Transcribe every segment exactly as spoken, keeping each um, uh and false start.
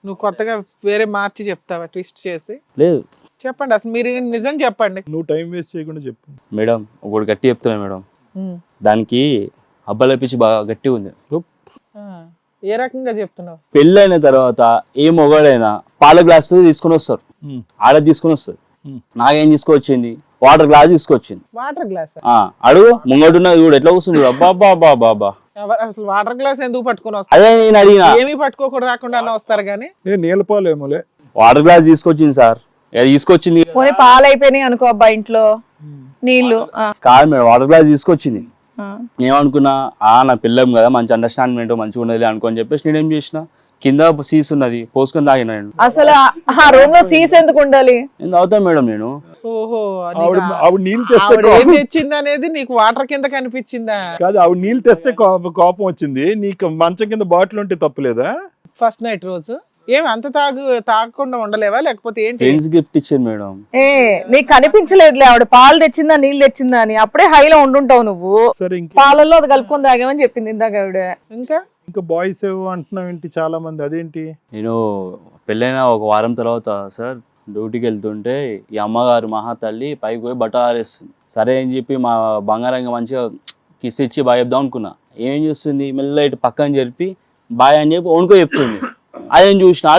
నువ్వు కొత్తగా వేరే మార్చి చెప్తావా ట్విస్ట్ చేసి? లేదు చెప్పండి అసలు మీరు నిజం చెప్పండి. నువ్వు టైం వేస్ట్ చేయకుండా చెప్పు మేడం, ఒకటి గట్టి చెప్తున్నా మేడం. ఉమ్. దానికి అబ్బాయిల పిచ్చి బాగా గట్టి ఉంది. ఆ, ఏ రకంగా చెప్తున్నావు? పెళ్ళైన తర్వాత ఏ మొగాడైనా పాల గ్లాస్ తీసుకుని వస్తారు, ఉమ్. ఆడ తీసుకుని వస్తారు. ఉమ్. నాకేం తీసుకొచ్చింది? వాటర్ గ్లాస్ తీసుకొచ్చింది. Water glass? ఆ అడుగు, ముంగడున్నది కూడా ఎట్లా వస్తుంది? అబ్బా బాబా బాబా, అసలు వాటర్ గ్లాస్ ఎందుకు పట్టుకొని వస్తారు? అదే నేను అడిగిన. ఏమీ పట్టుకోకుండా రాకుండా అన్న వస్తారు కానీ. ఏ నీళ్ళపాలేమోలే. వాటర్ గ్లాస్ తీసుకొచ్చింది సార్, ఏ తీసుకొచ్చింది పోనీ పాలు అయిపోయినాయి అనుకో అబ్బా ఇంట్లో, నీళ్లు. ఆ, కాదు మేడం, వాటర్ గ్లాస్ తీసుకొచ్చింది. ఆ. ఏమనుకున్నా, ఆ నా పిల్లం కదా, మంచి అండర్స్టాండ్మెంట్ మంచిగా ఉన్నది అనుకోని చెప్పేసి నేనేం చేసిన, కింద సీస్ ఉన్నది పోసుకొని తాగిన. నేను అసలు ఆ- ఆ రూమ్ లో సీస్ ఎందుకు ఉండాలి? నేను తాగుతాను మేడం. నేను ఓహో, ఆవిడ నీకు ఆవిడ నీళ్ళు తెస్తే ఆవిడ ఏం కోపం- తెచ్చింది అనేది నీకు వాటర్ కింద కనిపించిందా? కాదు, ఆవిడ నీళ్ళు తెస్తే కోపం కోపం వచ్చింది. నీకు మంచం కింద బాటిల్ ఉంటే తప్పులేదా? ఫస్ట్ నైట్ రోజు ఏమి అంత తాగు తాగకుండా ఉండలేవా లేకపోతే ఏంటి? ఫ్రెండ్స్ గిఫ్ట్ ఇచ్చాను మేడం. ఏ నీకు కనిపించలేదులే ఆవిడ పాలు తెచ్చిందా నీళ్ళు తెచ్చిందా అని. అప్పుడే హైలో ఉండుంటావు నువ్వు. సరే, ఇంక పాలల్లో అది కలుపుకొని తాగామని చెప్పింది ఇందాక ఆవిడ. ఇంకా ఇంకా బాయ్స్ ఏవో అంటున్నావు ఏంటి? చాలా మంది అదేంటి? నేను పెళ్ళైన ఒక వారం తర్వాత సార్ డ్యూటీకి వెళ్తుంటే ఈ అమ్మగారు మహా తల్లి పైకి పోయి బట్టలు ఆరేస్తుంది. సరే అని చెప్పి మా బంగారంగా మంచిగా కిస్ ఇచ్చి బాయ్ చెప్దాం అనుకున్నా. ఏం చేస్తుంది, మెల్ల ఇటు పక్కన జరిపి బాయ్ అని చెప్పి వణుకో చెప్తుంది. అదేం చూసిన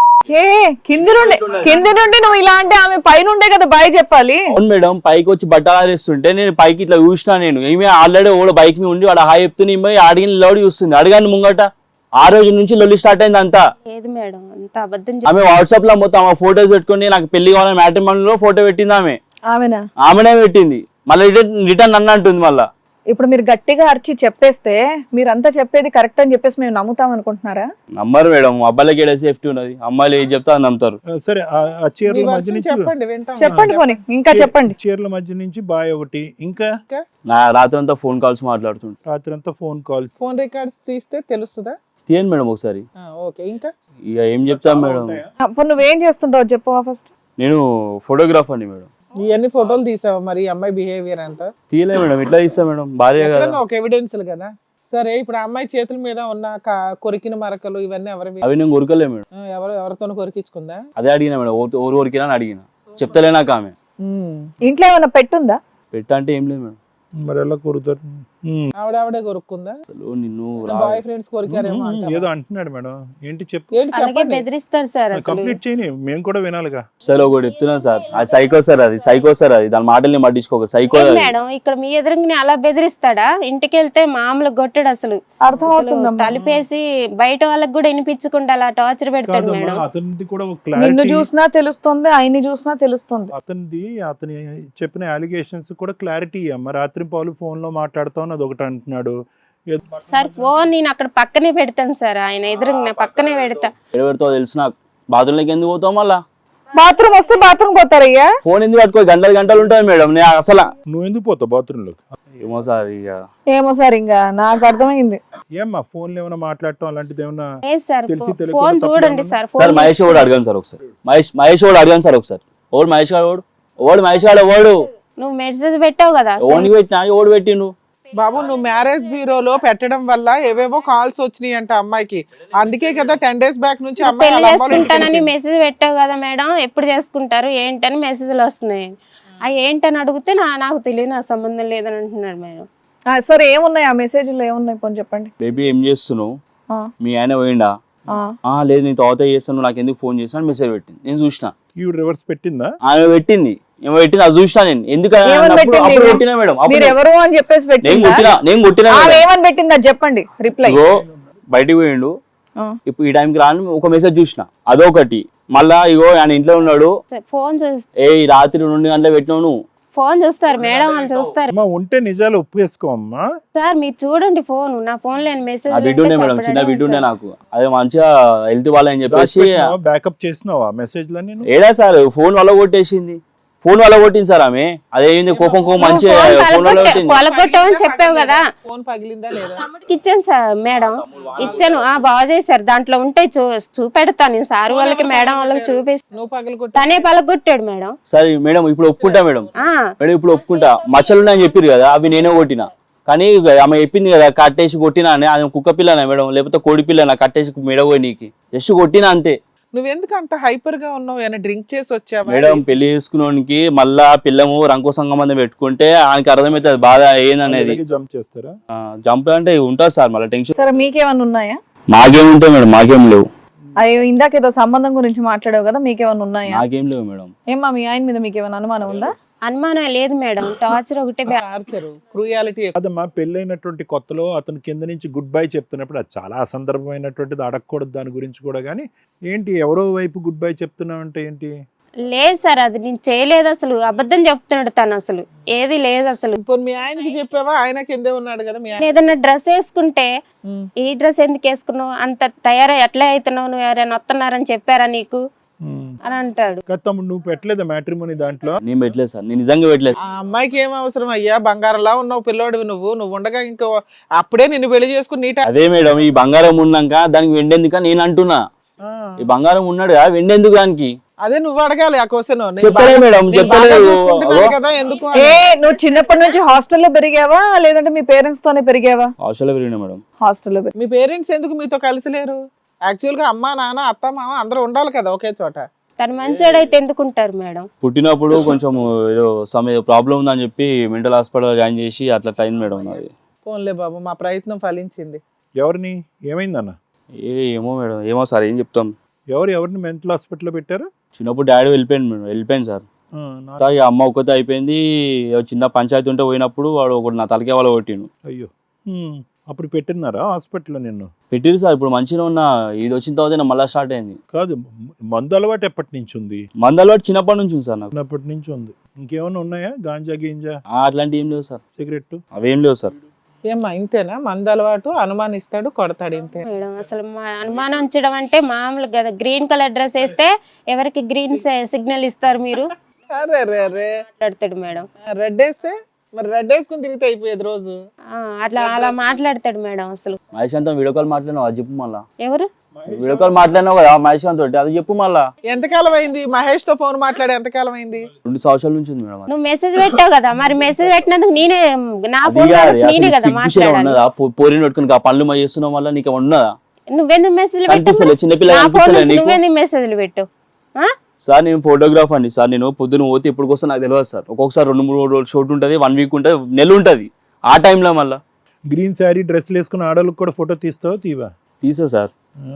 ఏ కింది నుండి కింది నుండి నువ్వు ఇలా అంటే ఆమె పైనుండే కదా బాయ్ చెప్పాలి. అవును మేడం, పైకి వచ్చి బట్టలు ఆరేస్తుంటే నేను పైకి ఇట్లా చూసినా. నేను ఏమి ఆల్రెడీ ఓడ బైక్ మీద ఉండి వాడు హాయ్ చెప్తున్నా, ఈమె అడిగిన లోడ్ చూస్తుంది. అడగాను ముంగట. ఆ రోజు నుంచి లొల్లి స్టార్ట్ అయింది అంతా. ఏది మేడం అంత అబద్ధం ఆమె వాట్సాప్ లో మొత్తం ఆ ఫోటోస్ పెట్టుకుని నాకు పెళ్లి కావాలని మ్యాట్రిమోనీలో ఫోటో పెట్టింది ఆమె. ఆమెనా? ఆమెనే పెట్టింది. మళ్ళీ రిటర్న్ రిటర్న్ అన్న అంటుంది మళ్ళా. ఇప్పుడు మీరు గట్టిగా అరిచి చెప్పేస్తే మీరంతా చెప్పేది కరెక్ట్ అని చెప్పేసి మేము నమ్ముతాం అనుకుంటున్నారా? నమ్మరు మేడం, అబ్బాయిలకి ఏడా సేఫ్టీ ఉన్నది, అమ్మాయిలు ఏం చెప్తా అని నమ్ముతారు. ఆ, సరే, ఆ ఆ మీ చీరల మధ్య వర్షన్ నుంచి చెప్పండి వింటాం. చెప్పండి పోనీ ఇంకా చెప్పండి. చీరల మధ్య నుంచి బాయ్ ఒకటి, ఇంకా నా రాత్రి అంతా ఫోన్ కాల్స్ మాట్లాడుతుంటా. రాత్రి అంతా ఫోన్ కాల్స్. ఫోన్ రికార్డ్స్ తీస్తే తెలుస్తుందా? తీయండి మేడం ఒకసారి. ఆ, ఓకే. ఇంకా ఇక ఏం చెప్తాం మేడం. అప్పుడు నువ్వేం చేస్తుంటావు చెప్పవా ఫస్ట్. నేను ఫోటోగ్రాఫర్ని మేడం. ఇవన్నీ ఫోటోలు తీసావా మరి ఈ అమ్మాయి బిహేవియర్ అంతా? తీయలే మేడం, ఇట్లా తీస్తా మేడం, భార్య కదా. ఎక్కడన్నా ఒక ఎవిడెన్స్ కదా. సరే, ఇప్పుడు ఆ అమ్మాయి చేతుల మీద ఉన్న క- కొరికిన మరకలు ఇవన్నీ ఎవరివి? అవి నేను కొరకలే మేడం. ఆ, ఎవరు ఎవరితోనూ కొరికించుకుందా? అదే అడిగిన మేడం, ఓ- ఓరు కొరికినా అని అడిగిన. చెప్తలే నాకు ఆమె. ఉమ్. ఇంట్లో ఏమైనా పెట్టుందా? పెట్ట అంటే ఏం లేదు మేడం. మరి ఎలా కొరుతారు? ఉమ్. ఆవిడ ఆవిడే కొరుక్కుందా? అసలు నిన్ను రా- బాయ్ ఫ్రెండ్స్ కొరికారేమో అంటావా? ఏదో అంటున్నాడు మేడం, ఏంటి చెప్పు. ఏంటి అలాగే చెప్పండి. బెదిరిస్తారు సార్ అసలు. కంప్లీట్ చేయని, మేము కూడా వినాలిగా. సార్ ఒకటి చెప్తున్నా సార్, అది సైకో సార్, అది సైకో సార్, అది దాని మాటల్ని పట్టించుకోక సైకో ఏం అది. మేడం ఇక్కడ మీ ఎదురుగానే అలా బెదిరిస్తాడా? ఇంటికి వెళ్తే మామూలు కొట్టాడు అసలు. అర్థం అసలు అవుతుందమ్మా. తలుపేసి బయట వాళ్ళకి కూడా వినిపించకుండా అలా టార్చర్ పెడతాడు కాదమ్మా, మేడం. అతనిది కూడా ఒక నిన్ను క్లారిటీ. చూసినా తెలుస్తుంది, ఆయన్ని చూసినా తెలుస్తుంది. అతనిది అతని చెప్పిన అలిగేషన్స్ కూడా క్లారిటీ అమ్మ. రాత్రి పాలు ఫోన్ లో మాట్లాడుతావు అది ఒకటి అంటున్నాడు. ఏదో- సార్ ఫోన్ నేను అక్కడ పక్కనే పెడతాను సార్, ఆయన ఎదురుగా పక్కనే పెడతా. ఎవరితో తెలుసు నాకు. బాత్రూంలోకి ఎందుకు పోతావు మళ్ళా? బాత్రూమ్ వస్తే బాత్రూమ్ పోతారయ్యా. ఫోన్ ఎందుకు పట్టుకో, గంటలు గంటలు ఉంటుంది మేడం. నేను అసలు నువ్వు ఎందుకు పోతావు బాత్రూమ్ లోకి? ఏమో సార్, ఇక ఏమో సార్ ఇంకా నాకు అర్థమైంది. ఏమ్మా ఫోన్ లో ఏమైనా మాట్లాడటం అలాంటిది ఏమన్నా? లేదు సార్, తెలిసి తెలియకుండా ఫోన్ తప్పుగా చూడండి ఉందా? సార్. సార్ ఫోన్ మహేష్ కూడా అడగాను సార్ ఒకసారి. మహేష్ మహేష్ కూడా అడగాను సార్ ఒకసారి. ఓడు మహేష్ గారు, ఓడు ఓడు మహేష్ గారు, ఓడు నువ్వు మెసేజ్ పెట్టావు కదా ఓనికి పెట్టినా, ఓడు పెట్టిండు. బాబు నువ్వు మ్యారేజ్ బ్యూరోలో పెట్టడం వల్ల ఏవేవో కాల్స్ వచ్చినాయి అంట అమ్మాయికి. అందుకే కదా టెన్ డేస్ బ్యాక్ నుంచి అమ్మాయి పెళ్లి వాళ్ళ అమ్మ వాళ్ళ ఇంటికి చేసుకుంటానని వెళ్ళింది. మెసేజ్ పెట్టావు కదా మేడం, ఎప్పుడు చేసుకుంటారు ఏంటని మెసేజ్లు వస్తున్నాయి. అవి ఏంటని అడిగితే నా నాకు తెలియదు, నాకు సంబంధం లేదని అంటున్నాడు మేడం. ఆ, సరే ఏమున్నాయి ఆ మెసేజ్లో ఏమున్నాయి పోనీ చెప్పండి. బేబీ ఏం చేస్తున్నావు, ఆ, మీ ఆయన పోయిండా? ఆ. ఆ లేదు, నేను తర్వాత చేస్తాను, నాకు ఎందుకు ఫోన్ చేస్తాను మెసేజ్ పెట్టింది. నేను చూసిన ఈవిడ రివర్స్ పెట్టిందా? ఆమె పెట్టింది, ఏమో పెట్టింది, అది చూసినా నేను. ఎందుకు ఏమని అన్నప్పుడు పెట్టింది? అప్పుడు కొట్టినా మేడం. అప్పుడు మీరు ఎవరు అని చెప్పేసి నేను పెట్టిందా? కొట్టినా నేను కొట్టినా ఆమె మేడం. ఏమని పెట్టిందా చెప్పండి రిప్లై. ఇగో బయటికి పోయిండు, ఇప్పుడు ఈ టైంకి రాని ఒక మెసేజ్ చూసిన, అదొకటి. మళ్ళా ఇగో ఆయన ఇంట్లో ఉన్నాడు, ఫోన్ చూస్తా ఏ ఈ రాత్రి రెండు గంటలకు పెట్టినావు నువ్వు. ఫోన్ చూస్తారు మేడం, వాళ్ళు చూస్తారు. అమ్మా ఉంటే నిజాలు ఒప్పేసుకో అమ్మా. సార్ మీరు చూడండి ఫోన్, నా ఫోన్ లేని మెసేజ్ ఆ బిడ్డ ఉండే మేడం, చిన్న బిడ్డ ఉండే నాకు. అదే మంచిగా హెల్త్ వాళ్ళని చెప్పేసి బ్యాకప్ చేసినావా మెసేజ్ లని? ఏడా సార్ ఫోన్ వల్ల కొట్టేసింది, ఫోన్ వల్ల కొట్టింది సార్ ఆమె. అదేంది కోపం కోపం మంచిగా ఫోన్ వల్ల కొట్టింది. పొలగొట్టామని చెప్పావు కదా, ఫోన్ పగిలిందా లేదా? తమ్ముడికి ఇచ్చాను సార్ మేడం, ఇచ్చాను. ఆ బాగా చేశారు, దాంట్లో ఉంటే చూ చూపెడతాను నేను సార్ వాళ్ళకి మేడం వాళ్ళకి చూపిస్తాను. నువ్వు పగలు తనే పలగొట్టాడు మేడం. సరే మేడం ఇప్పుడు ఒప్పుకుంటా మేడం, ఆ మేడం ఇప్పుడు ఒప్పుకుంటా. మచ్చలు ఉన్నాయని చెప్పారు కదా, అవి నేనే కొట్టినా. కానీ ఆమె చెప్పింది కదా కట్టేసి కొట్టినా అని. అది కుక్క పిల్లనా మేడం, లేకపోతే కోడి పిల్లనా కట్టేసి మెడగోయి నీకు జస్ట్ కొట్టినా అంతే. నువ్వెందుకు అంత హైపర్ గా ఉన్నావు? ఏమైనా డ్రింక్ చేసి వచ్చావా? మేడం పెళ్లి చేసుకున్నోనికి మళ్ళా పిల్లము రంకు సంబంధం పెట్టుకుంటే ఆయనకి అర్థమవుతుంది బాధ ఏందనేది. జంప్ చేస్తారా? జంప్ అంటే ఉంటుంది సార్ మళ్ళీ టెన్షన్. సరే మీకేమన్నా ఉన్నాయా? మాకేముంటాయి మేడం, మాకేం లేవు. అయ్యో ఇందాక ఏదో సంబంధం గురించి మాట్లాడావు కదా, మీకేమన్నా ఉన్నాయా? నాకేం లేవు మేడం. ఏమ్మా మీ ఆయన మీద మీకేమైనా అనుమానం ఉందా? అనుమానం లేదు మేడం, టార్చర్ ఒకటే బ్యా- టార్చర్, క్రూయాలిటీ. కాదమ్మా, పెళ్ళైనటువంటి కొత్తలో అతను కింద నుంచి గుడ్ బై చెప్తున్నప్పుడు అది చాలా అసందర్భమైనటువంటిది, అడగకూడదు దాని గురించి కూడా. కానీ ఏంటి ఎవరో వైపు గుడ్ బై చెప్తున్నావు అంటే ఏంటి? లేదు సార్, అది నేను చేయలేదు అసలు, అబద్ధం చెప్తున్నాడు తను, అసలు ఏది లేదు అసలు. ఇప్పుడు మీ ఆయనకి చెప్పావా? ఆయన కిందే ఉన్నాడు కదా మీ ఆయన. ఏదన్నా డ్రెస్ వేసుకుంటే ఉమ్. ఈ డ్రెస్ ఎందుకు వేసుకున్నావు, అంత తయారై ఎట్లా అవుతున్నావు, నువ్వు ఎవరైనా వస్తున్నారని చెప్పారా నీకు అని అంటాడు. కదా తమ్ముడు, నువ్వు పెట్టలేదా మ్యాట్రిమోనీ దాంట్లో? నేను పెట్టలేదు సార్, నేను నిజంగా పెట్టలేదు. ఆ అమ్మాయికి ఏం అవసరం అయ్యా? బంగారంలా ఉన్నావు పిల్లోడివి నువ్వు. నువ్వు ఉండగా ఇంకో అప్పుడే నిన్ను పెళ్లి చేసుకుని నీట. అదే మేడం, ఈ బంగారం ఉన్నాక దానికి వెండెందుక నేను అంటున్నా. ఈ బంగారం ఉన్నాడు కదా వెండెందుకు దానికి? అదే నువ్వు అడగాలి ఆ క్వశ్చన్. చెప్పలే మేడం, చెప్పలేదు. కదా ఎందుకు ఏ నువ్వు చిన్నప్పటి నుంచి హాస్టల్లో పెరిగావా లేదంటే మీ పేరెంట్స్ తోనే పెరిగావా? హాస్టల్లో పెరిగినా మేడం. హాస్టల్లో పెరిగి మీ పేరెంట్స్ ఎందుకు మీతో కలిసి లేరు? యాక్చువల్ గా అమ్మా నాన్న అత్త మామ అందరూ ఉండాలి కదా ఒకే చోట. తను మంచోడైతే ఎందుకుంటారు మేడం? పుట్టినప్పుడు కొంచెం ఏదో సమ్ ఏదో ప్రాబ్లం ఉందని చెప్పి మెంటల్ హాస్పిటల్ జాయిన్ చేసి అట్లా అయింది మేడం నాది. పోన్లే బాబు, మా ప్రయత్నం ఫలించింది. ఎవరిని? ఏమైందన్న? ఏ ఏమో మేడం, ఏమో సార్ ఏం చెప్తాం. ఎవరు ఎవరిని మెంటల్ హాస్పిటల్లో పెట్టారు? చిన్నప్పుడు డాడీ వెళ్ళిపోయింది మేడం, వెళ్ళిపోయింది సార్. ఆ, నా- తర్వాత ఇక అమ్మ ఒక్కతే అయిపోయింది. ఏదో చిన్న పంచాయతీ ఉంటే పోయినప్పుడు వాడు ఒకటి నా తలకే వాళ్ళ కొట్టిండు. అయ్యో. హ్మ్. అప్పుడు పెట్టినారా హాస్పిటల్లో నిన్ను? పెట్టిరు సార్, ఇప్పుడు మంచిగా ఉన్న. ఇది వచ్చిన తర్వాత మళ్ళీ స్టార్ట్ అయింది. కాదు, మందు అలవాటు ఎప్పటి నుంచి ఉంది? మందు అలవాటు చిన్నప్పటి నుంచి ఉంది సార్ నాకు. చిన్నప్పటి నుంచి ఉంది. ఇంకేమైనా ఉన్నాయా? గాంజా గింజా ఆ, అట్లాంటివి ఏం లేవు సార్, సిగరెట్? అవేం లేవు సార్. ఏమ్మా ఇంతేనా? మంద అలవాటు, అనుమానిస్తాడు, కొడతాడు, ఇంతే. మేడం అసలు మా అనుమానం ఉంచడం అంటే మామూలు కదా. గ్రీన్ కలర్ డ్రెస్ వేస్తే ఎవరికి గ్రీన్ సిగ్నల్ ఇస్తారు మీరు అరే రే రే మాట్లాడతాడు మేడం. రెడ్ వేస్తే మరి రెడ్ వేసుకుని తిరిగితే అయిపోయేది రోజు. ఆ, అట్లా అలా మాట్లాడతాడు మేడం అసలు. మహేష్ అంతా వీడియో కాల్ మాట్లాడినావు, అది చెప్పు మళ్ళా. ఎవరు? వీడియో కాల్ మాట్లాడినావు కదా మహేష్ తోటి, అది చెప్పు మళ్ళా. ఎంతకాలం అయింది మహేష్ తో ఫోన్ మాట్లాడి? ఎంతకాలం అయింది? రెండు సంవత్సరాల నుంచి ఉంది మేడం. నువ్వు మెసేజ్ పెట్టావు కదా, మరి మెసేజ్ పెట్టినందుకు నేనే నా అది ఫోన్ కాదు, నేనే అసలు కదా సిగ్గు శరం మాట్లాడాలి. ఉన్నదా? పో- పోరిని పెట్టుకుని ఆ పనులు మా చేస్తున్నావు వల్ల నీకు ఉన్నదా? నువ్వెందుకు మెసేజ్ కనిపిస్తలే, చిన్నపిల్ల నా ఫోన్ కనిపిస్తలే నుంచి నీకు? నువ్వెందుకు మెసేజ్లు పెట్టు? ఆ? సార్ నేను ఫోటోగ్రాఫర్ అండి సార్. నేను పొద్దున పోతే ఇప్పుడు వస్తే నాకు తెలియదు సార్. ఒక్కొక్కసారి రెండు మూడు రోజులు షూట్ ఉంటుంది, వన్ వీక్ ఉంటుంది, నెల ఉంటుంది. ఆ టైంలో మళ్ళీ గ్రీన్ శారీ డ్రెస్లు వేసుకుని ఆడవాళ్ళకి కూడా ఫోటో తీస్తావా? తీవా? తీసా సార్.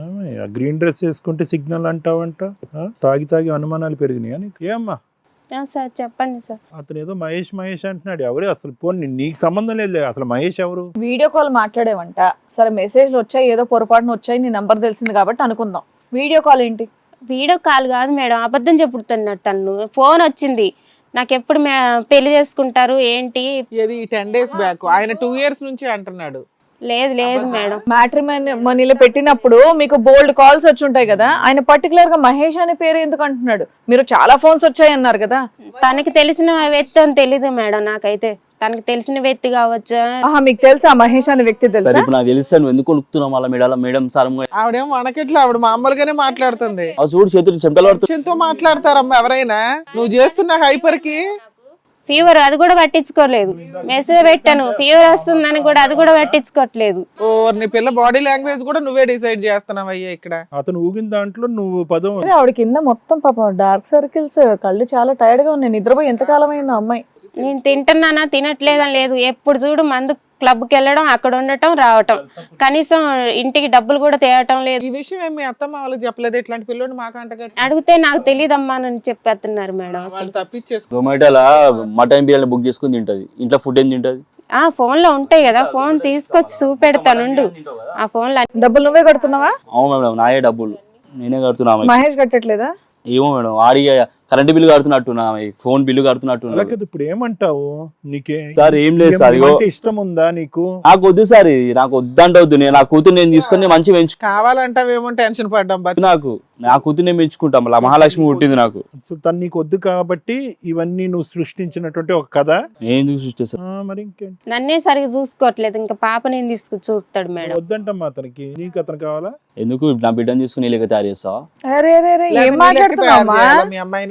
ఆ గ్రీన్ డ్రెస్ వేసుకుంటే సిగ్నల్ అంటావంట. ఆ? తాగి తాగి అనుమానాలు పెరిగినాయా నీకు? ఏమ్మా ఆ, సార్ చెప్పండి సార్. అతను ఏదో మహేష్ మహేష్ అంటున్నాడు. ఎవరు అసలు? పోనీ నీకు సంబంధం లేదు, అసలు మహేష్ ఎవరు? వీడియో కాల్ మాట్లాడేవంట. సరే మెసేజ్లు వచ్చాయి, ఏదో పొరపాటున వచ్చాయి, నీ నంబర్ తెలిసింది కాబట్టి అనుకుందాం. వీడియో కాల్ ఏంటి? వీడియో కాల్ కాదు మేడం, అబద్ధం చెప్పుడుతున్నాడు తను. ఫోన్ వచ్చింది నాకు, ఎప్పుడు మే- పెళ్లి చేసుకుంటారు ఏంటి? ఏది టెన్ డేస్ బ్యాక్? ఆయన టూ ఇయర్స్ నుంచి అంటున్నాడు. లేదు లేదు మేడం. మ్యాట్రిమోనీ మనీలో పెట్టినప్పుడు మీకు బోల్డ్ కాల్స్ వచ్చి ఉంటాయి కదా, ఆయన పర్టికులర్ గా మహేష్ అనే పేరు ఎందుకు అంటున్నాడు? మీరు చాలా ఫోన్స్ వచ్చాయి అన్నారు కదా. తనకి తెలిసిన వ్యక్తి అని తెలీదు మేడం నాకైతే. తనకి తెలిసిన వ్యక్తి కావచ్చు. ఆహా, మీకు తెలుసా మహేష్ అనే వ్యక్తి సరే తెలుసా? ఇప్పుడు నాకు తెలుసా నువ్వు ఎందుకు కొనుక్కుతున్నావు మళ్ళీ మేడం? మేడం సార్ ఆవిడేం వనకెట్లా, ఆవిడ మామూలుగానే మాట్లాడుతుంది. చూడు చేతులు చెమటలు పడుతుంది. తో మాట్లాడతారమ్మా ఎవరైనా. నువ్వు చేస్తున్న హైపర్ కి ఫీవర్ అది కూడా పట్టించుకోలేదు. మెసేజ్ పెట్టాను ఫీవర్ వస్తుందని కూడా, అది కూడా పట్టించుకోవట్లేదు. ఓ నీ పిల్ల బాడీ లాంగ్వేజ్ కూడా నువ్వే డిసైడ్ చేస్తున్నావు అయ్యా ఇక్కడ. అతను ఊగిన దాంట్లో నువ్వు పదం. అరే, ఆవిడ కింద మొత్తం పాపం డార్క్ సర్కిల్స్, కళ్ళు చాలా టైర్డ్ గా ఉన్నాయి. నిద్రపోయి ఎంతకాలం అయిందో అమ్మాయి. నేను తింటున్నానా తినట్లేదని లేదు, ఎప్పుడు చూడు మందు క్లబ్కి వెళ్ళడం, అక్కడ ఉండటం, రావటం, కనీసం ఇంటికి డబ్బులు కూడా తేవటం లేదు. ఈ విషయం ఏమి అత్తమ్మ వాళ్ళకి చెప్పలేదు? ఇట్లాంటి పిల్లోని మాకు అంటగట్టి అడిగితే నాకు తెలియదమ్మా అని చెప్పేస్తున్నారు మేడం. అసలు వాళ్ళు తప్పించేసుకో. జొమాటోలో మటన్ బిర్యానీ బుక్ చేసుకుని తింటది, ఇంట్లో ఫుడ్ ఏం తింటది? ఆ ఫోన్ లో ఉంటాయి కదా, ఫోన్ తీసుకొచ్చి చూపెడతానుండు. ఆ ఫోన్ లో డబ్బులు నువ్వే కడుతున్నావా? అవును మేడం, నాయే డబ్బులు నేనే కడుతున్నా. మహేష్ కట్టట్లేదా? ఏమో మేడం, ఆడి కరెంట్ బిల్లు కడుతున్నట్టున్నా, ఫోన్ బిల్లు కడుతున్నట్టున్నా. అలాగే ఇప్పుడు ఏమంటావు? నీకే సార్ ఏం లేదు సార్, ఇగో అంటే ఇష్టం ఉందా నీకు? నాకు వద్దు సార్, ఇది నాకు వద్దంటే వద్దు. నేను నా కూతురు నేను తీసుకొని మంచిగా పెంచు. కావాలంటావేమో టెన్షన్ పడ్డాం. బతి నాకు నా కూతురు నేను పెంచుకుంటాం. మళ్ళీ మహాలక్ష్మి పుట్టింది నాకు. సో తను నీకు వద్దు కాబట్టి ఇవన్నీ నువ్వు సృష్టించినటువంటి ఒక కథ. నేను ఎందుకు సృష్టిస్తాను? ఆ, మరి ఇంకేంటి? నన్నే సరిగా చూసుకోవట్లేదు, ఇంకా పాప నేను తీసుకు చూస్తాడు మేడం. వద్దంటమ్మా అతనికి. నీకు అతను కావాలా? ఎందుకు నా బిడ్డను తీసుకుని లేక తయారు చేస్తావా? అరే అరే అరే, ఏం లేకపోతే నీ లెక్క తయారు మాట్లాడుతున్నావా? చేయాలా మీ అమ్మాయిని?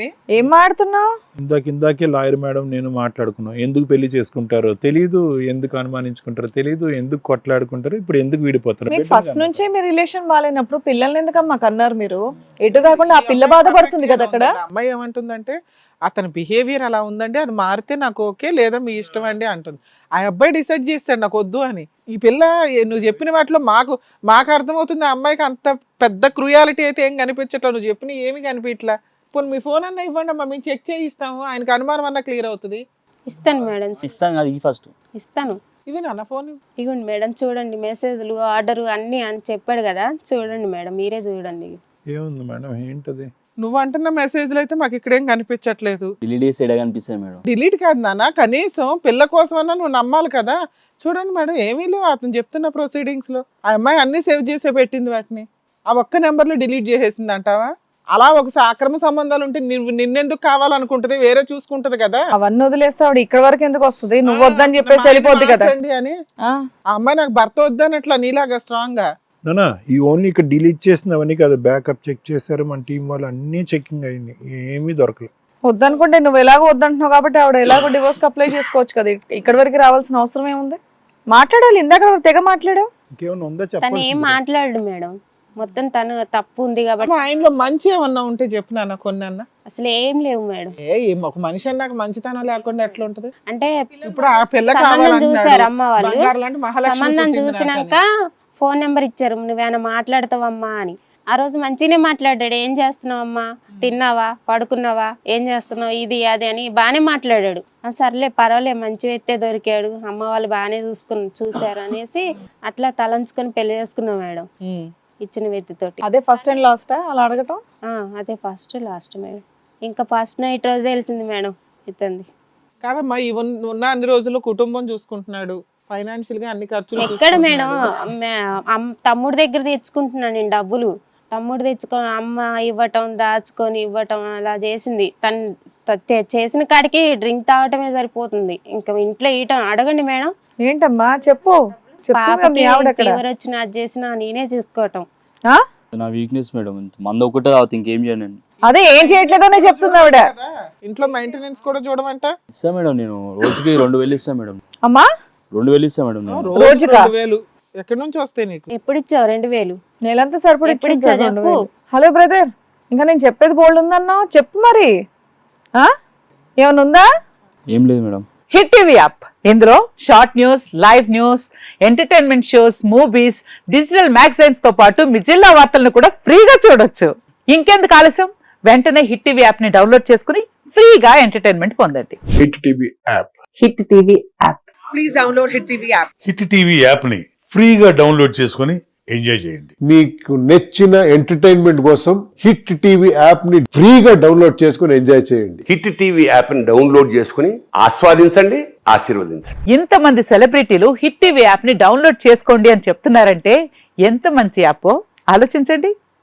అని. ఏం మాడుతున్నావు? ఇందాక ఇందాకే లాయర్ మేడం నేను మాట్లాడుకున్నాం. ఎందుకు పెళ్లి చేసుకుంటారో తెలీదు, ఎందుకు అనుమానించుకుంటారో తెలీదు, ఎందుకు కొట్లాడుకుంటారో, ఇప్పుడు ఎందుకు విడిపోతారు. మీకు ఫస్ట్ నుంచే మీ రిలేషన్ బాగాలేనప్పుడు పిల్లల్ని ఎందుకమ్మా కన్నారు మీరు? ఎటు కాకుండా ఆ పిల్ల బాధపడుతుంది కదా అక్కడ. అమ్మాయి ఏమంటుందంటే అతని బిహేవియర్ అలా ఉందండి, అది మారితే నాకు ఓకే, లేదా మీ ఇష్టం అండి అంటుంది. ఆ అబ్బాయి డిసైడ్ చేస్తాడు నాకు వద్దు అని. ఈ పిల్ల ఏ- నువ్వు చెప్పిన వాటిలో మాకు మాకు అర్థమవుతుంది, ఆ అమ్మాయికి అంత పెద్ద క్రూయాలిటీ అయితే ఏం కనిపించట్లేదు. నువ్వు చెప్పిన ఏమి కనిపించట్లా. ఇప్పుడు మీ ఫోన్ అన్న ఇవ్వండి అమ్మా, మేము చెక్ చేయిస్తాము, ఆయనకు అనుమానం అన్న క్లియర్ అవుతుంది. ఇస్తాను మేడం, ఇస్తాను కదా ఈ ఫస్ట్. ఇస్తాను. ఇది నాన్న ఫోన్. ఇగోండి మేడం, చూడండి మెసేజ్లు, ఆర్డర్ అన్ని అని చెప్పాడు కదా, చూడండి మేడం, మీరే చూడండి. ఏముంది మేడం, ఏంటది? నువ్వు అంటున్న మెసేజ్లు అయితే మాకు ఇక్కడేం కనిపించట్లేదు. డిలీట్ చేసి ఎడ కనిపిస్తాయి మేడం. డిలీట్ కాదు నాన్న, కనీసం పిల్ల కోసమన్నా నువ్వు నమ్మాలి కదా. చూడండి మేడం, ఏమీ లేవు అతను చెప్తున్న ప్రొసీడింగ్స్ లో. ఆ అమ్మాయి అన్ని సేవ్ చేసే పెట్టింది వాటిని, ఆ ఒక్క నెంబర్ లో డిలీట్ చేసేసింది అంటావా? అలా ఒకసారి అక్రమ సంబంధాలు ఉంటే నువ్వు నిన్నెందుకు కావాలనుకుంటది, వేరే చూసుకుంటది కదా. అవన్నీ వదిలేస్తే ఆవిడ ఇక్కడ వరకు ఎందుకు వస్తుంది? నువ్వు వద్దని చెప్పేసి వెళ్ళిపోద్ది కదా. మార్చండి అని ఆ, ఆ అమ్మాయి నాకు భర్త వద్దనట్లా నీలాగా స్ట్రాంగ్ గా. నానా ఈ ఓన్లీ ఇక్కడ డిలీట్ చేసినవన్నీ కాదు, బ్యాకప్ చెక్ చేశారు మన టీం వాళ్ళు, అన్నీ చెకింగ్ అయింది, ఏమీ దొరకలేదు. వద్దనుకుంటే నువ్వు ఎలాగో వద్దంటున్నావు కాబట్టి ఆవిడ ఎలాగో డివోర్స్ అప్లై చేసుకోవచ్చు కదా. ఇక్కడ వరకు రావాల్సిన అవసరం ఏముంది? మాట్లాడాలి, ఇందాక తెగ మాట్లాడావు. ఇంకేమైనా ఉందా తను ఏం చెప్పాలి? మాట్లాడు మేడం, మొత్తం తను తప్పు ఉంది కాబట్టి. ఆయనలో మంచి ఏమన్నా ఉంటే చెప్పు నాన్న, కొన్ని అన్న. అసలు ఏం లేవు మేడం. ఏ ఏం ఒక మనిషి అన్నాక మంచితనం లేకుండా ఎట్లా ఉంటది? అంటే ఇప్పుడు ఆ పిల్ల సంబంధం చూసారు కావాలంటున్నాడు, అమ్మ వాళ్ళు. బంగారు లాంటి మహాలక్ష్మి సంబంధం పుట్టింది చూసినాక నాకని. ఫోన్ నెంబర్ ఇచ్చారు, నువ్వేమైనా మాట్లాడతావమ్మా అని. ఆ రోజు మంచిగానే మాట్లాడాడు, ఏం చేస్తున్నావమ్మా, తిన్నావా, పడుకున్నావా, ఏం చేస్తున్నావు, ఇది అది అని బాగానే మాట్లాడాడు. ఆ సర్లే పర్వాలే, మంచి వ్యక్తే దొరికాడు, అమ్మ వాళ్ళు బాగానే చూసుకుని చూసారు అనేసి అట్లా తలంచుకొని పెళ్లి చేసుకున్నాం మేడం, ఉమ్. ఇచ్చిన వ్యక్తితోటి. అదే ఫస్ట్ అండ్ లాస్ట్ అలా అడగటం. ఆ, అదే ఫస్ట్ లాస్ట్ మేడం. ఇంకా ఫస్ట్ నైట్ రోజు తెలిసింది మేడం ఇతంది. కాదమ్మా, ఈ ఉన్న ఉన్న అన్ని రోజులు కుటుంబం చూసుకుంటున్నాడు, ఫైనాన్షియల్ గా అన్ని ఖర్చులు ఎక్కడ మేడం, చూసుకుంటున్నాడు. మే- అమ్- తమ్ముడి దగ్గర తెచ్చుకుంటున్నాను నేను డబ్బులు. తమ్ముడు తెచ్చుకొని అమ్మ ఇవ్వటం, దాచుకొని ఇవ్వటం అలా చేసింది. తను త- తె- చేసిన కాడికి డ్రింక్ తాగటమే సరిపోతుంది, ఇంకా ఇంట్లో ఇయటం. అడగండి మేడం, ఏంటమ్మా చెప్పు. చెప్తున్నా పాపకి మీ ఆవిడ అక్కడ. ఫీవర్ వచ్చినా అది చేసినా నేనే చూసుకోవటం. ఆ? నా వీక్నెస్ మేడం, మంద ఒకటే తాగుతా, ఇంకేం చేయను నేను. అదే ఏం చేయట్లేదనే చెప్తుంది ఆవిడ. కదా, ఇంట్లో మెయింటెనెన్స్ కూడా చూడమంట. ఇస్తా మేడం, నేను రోజుకి రెండు వేలు ఇస్తా మేడం. అమ్మా రెండు వేలు ఇస్తా మేడం నేను. రోజు రోజుకా? రెండు వేలు ఎక్కడి నుంచి వస్తాయి నీకు? ఎప్పుడు ఇచ్చావు రెండు వేలు? నెలంతా సరిపడి ఎప్పుడు ఇచ్చి ఇచ్చా రెండు చెప్పు. వేలు. హలో బ్రదర్, ఇంకా నేను చెప్పేది బోల్డ్ ఉందన్నా, చెప్పు మరి. ఆ ఏమైనా ఉందా? ఏం లేదు మేడం. హిట్ టీవీ యాప్, ఇందులో short news, live news, entertainment shows, movies, digital magazines తో పాటు మీ జిల్లా వార్తలను కూడా ఫ్రీగా చూడొచ్చు. ఇంకెందుకు ఆలస్యం, వెంటనే హిట్ టీవీ యాప్ ని డౌన్లోడ్ చేసుకుని ఫ్రీగా ఎంటర్టైన్మెంట్ పొందండి. Hit TV app hit TV app. Hit TV app ని ఫ్రీగా డౌన్లోడ్ చేసుకొని ఎంజాయ్ చేయండి. మీకు నచ్చిన ఎంటర్టైన్మెంట్ కోసం హిట్ టీవీ యాప్ ని ఫ్రీగా డౌన్లోడ్ చేసుకుని ఎంజాయ్ చేయండి. హిట్ టీవీ యాప్ని డౌన్లోడ్ చేసుకుని ఆస్వాదించండి, ఆశీర్వదించండి. ఇంతమంది సెలబ్రిటీలు హిట్ టీవీ యాప్ ని డౌన్లోడ్ చేసుకోండి అని చెప్తున్నారంటే ఎంత మంచి యాప్ ఆలోచించండి.